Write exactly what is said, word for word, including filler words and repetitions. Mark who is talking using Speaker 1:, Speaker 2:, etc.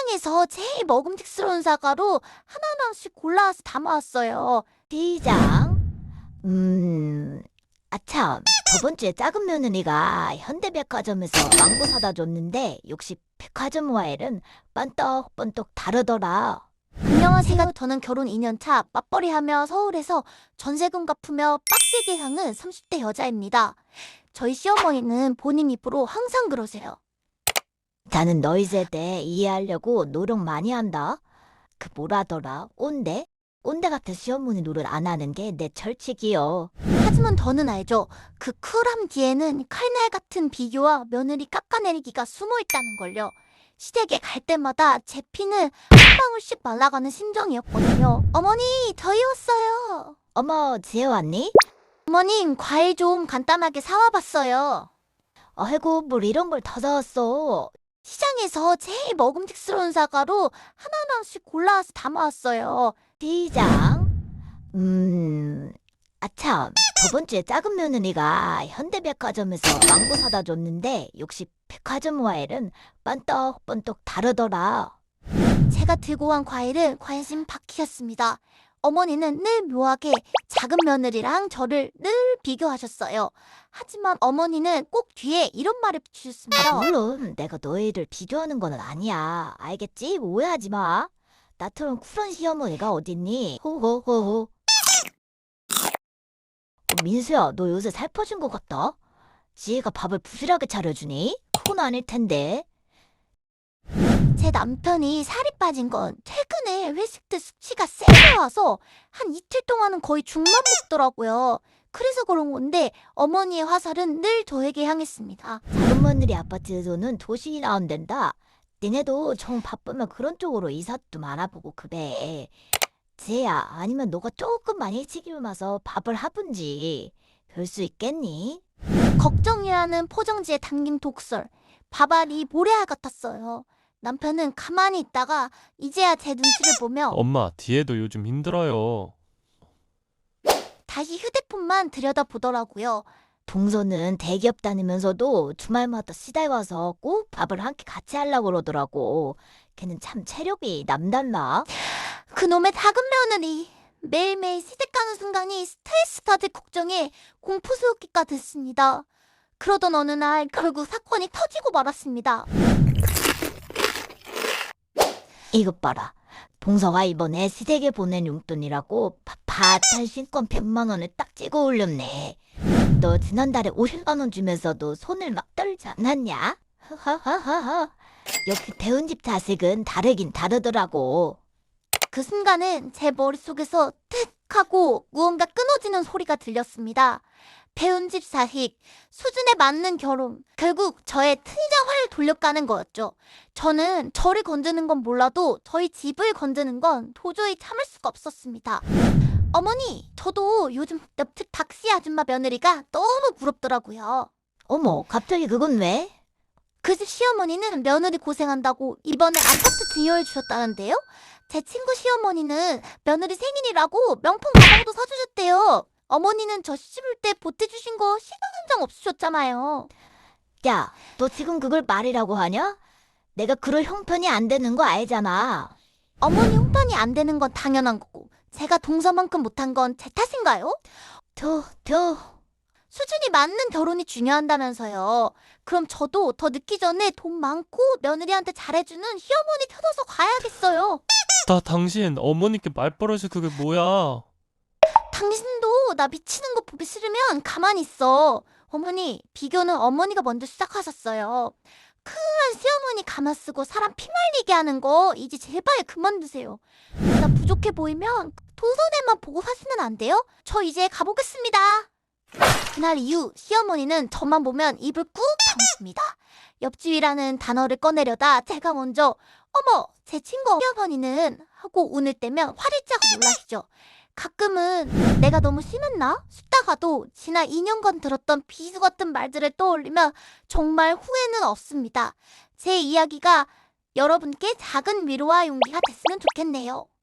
Speaker 1: 시장에서 제일 먹음직스러운 사과로 하나하나씩 골라와서 담아왔어요.
Speaker 2: 시장? 음, 아참, 저번 주에 작은 며느리가 현대백화점에서 망고 사다 줬는데 역시 백화점 와일은 빤떡빤떡 다르더라.
Speaker 1: 안녕하세요. 저는 결혼 이 년 차 맞벌이하며 서울에서 전세금 갚으며 빡세게 사는 삼십 대 여자입니다. 저희 시어머니는 본인 입으로 항상 그러세요.
Speaker 2: 나는 너희 세대 이해하려고 노력 많이 한다. 그 뭐라더라? 온대? 온대 같은 시어머니 노릇 안 하는 게 내 철칙이요.
Speaker 1: 하지만 저는 알죠. 그 쿨함 뒤에는 칼날 같은 비교와 며느리 깎아내리기가 숨어 있다는 걸요. 시댁에 갈 때마다 제 피는 한 방울씩 말라가는 심정이었거든요. 어머니, 저희 왔어요.
Speaker 2: 어머, 지혜 왔니?
Speaker 1: 어머님, 과일 좀 간단하게 사와봤어요.
Speaker 2: 아이고, 뭘 이런 걸 다 사왔어.
Speaker 1: 시장에서 제일 먹음직스러운 사과로 하나하나씩 골라와서 담아왔어요.
Speaker 2: 시장? 음, 아참, 저번 주에 작은 며느리가 현대백화점에서 망고 사다 줬는데 역시 백화점 와일은 빤떡빤떡 다르더라.
Speaker 1: 제가 들고 온 과일은 관심 바퀴였습니다. 어머니는 늘 묘하게 작은 며느리랑 저를 늘 비교하셨어요. 하지만 어머니는 꼭 뒤에 이런 말을 붙이셨습니다.
Speaker 2: 물론 내가 너희를 비교하는 건 아니야. 알겠지? 오해하지 마. 나처럼 쿨한 시어머니가 어딨니? 호호호호. 어, 민수야, 너 요새 살 빠진 것 같다. 지혜가 밥을 부실하게 차려주니? 그건 아닐 텐데.
Speaker 1: 제 남편이 살이 빠진 건 최근에 회식 때 수치가 세게 와서 한 이틀 동안은 거의 죽만 먹더라고요. 그래서 그런 건데 어머니의 화살은 늘 저에게 향했습니다.
Speaker 2: 작은 며느리 아파트에서는 도시 나온댄다. 니네도 정 바쁘면 그런 쪽으로 이삿 좀 알아보고 그래. 지혜야, 아니면 너가 조금만 일찍 일어나서 밥을 하든지. 별 수 있겠니?
Speaker 1: 걱정이라는 포장지에 담긴 독설. 밥알이 모래알 같았어요. 남편은 가만히 있다가 이제야 제 눈치를 보며
Speaker 3: 엄마, 뒤에도 요즘 힘들어요.
Speaker 1: 다시 휴대폰만 들여다보더라고요.
Speaker 2: 동서는 대기업 다니면서도 주말마다 시댁 와서 꼭 밥을 함께 같이 하려고 그러더라고. 걔는 참 체력이 남달라.
Speaker 1: 그놈의 작은 며느리. 매일매일 시댁 가는 순간이 스트레스 받을 걱정에 공포스럽기가 됐습니다. 그러던 어느 날 결국 사건이 터지고 말았습니다.
Speaker 2: 이것 봐라. 동서가 이번에 시댁에 보낸 용돈이라고 바팟한 신권 백만 원을 딱 찍어 올렸네. 너 지난달에 오십만 원 주면서도 손을 막 떨지 않았냐? 하하하하. 역시 배운 집 자식은 다르긴 다르더라고.
Speaker 1: 그 순간은 제 머릿속에서 틱 하고 무언가 끊어지는 소리가 들렸습니다. 배운 집 자식, 수준에 맞는 결혼, 결국 저의 트이자 화를 돌려가는 거였죠. 저는 저를 건드는 건 몰라도 저희 집을 건드는 건 도저히 참을 수가 없었습니다. 어머니, 저도 요즘 옆집 박씨 아줌마 며느리가 너무 부럽더라고요.
Speaker 2: 어머, 갑자기 그건 왜?
Speaker 1: 그 집 시어머니는 며느리 고생한다고 이번에 아파트 증여해 주셨다는데요. 제 친구 시어머니는 며느리 생일이라고 명품 가방도 사주셨대요. 어머니는 저 시집올 때 보태주신 거 시간 한 장 없으셨잖아요.
Speaker 2: 야, 너 지금 그걸 말이라고 하냐? 내가 그럴 형편이 안 되는 거 알잖아.
Speaker 1: 어머니 홍편이 안 되는 건 당연한 거고 제가 동서만큼 못한 건 제 탓인가요?
Speaker 2: 저, 저,
Speaker 1: 수준이 맞는 결혼이 중요한다면서요. 그럼 저도 더 늦기 전에 돈 많고 며느리한테 잘해주는 시어머니 찾아서 가야겠어요.
Speaker 3: 다 당신 어머니께 말버릇이 그게 뭐야?
Speaker 1: 당신도 나 미치는 거 보기 싫으면 가만히 있어. 어머니, 비교는 어머니가 먼저 시작하셨어요. 큰한 시어머니 감아쓰고 사람 피 말리게 하는 거 이제 제발 그만두세요. 나 부족해 보이면 동선에만 보고 사시면 안 돼요? 저 이제 가보겠습니다. 그날 이후 시어머니는 저만 보면 입을 꾹 다무십니다. 옆집이라는 단어를 꺼내려다 제가 먼저 어머, 제 친구 시어머니는 하고 운을 떼면 화들짝 놀라시죠. 가끔은 내가 너무 심했나 싶다가도 지난 이 년간 들었던 비수 같은 말들을 떠올리면 정말 후회는 없습니다. 제 이야기가 여러분께 작은 위로와 용기가 됐으면 좋겠네요.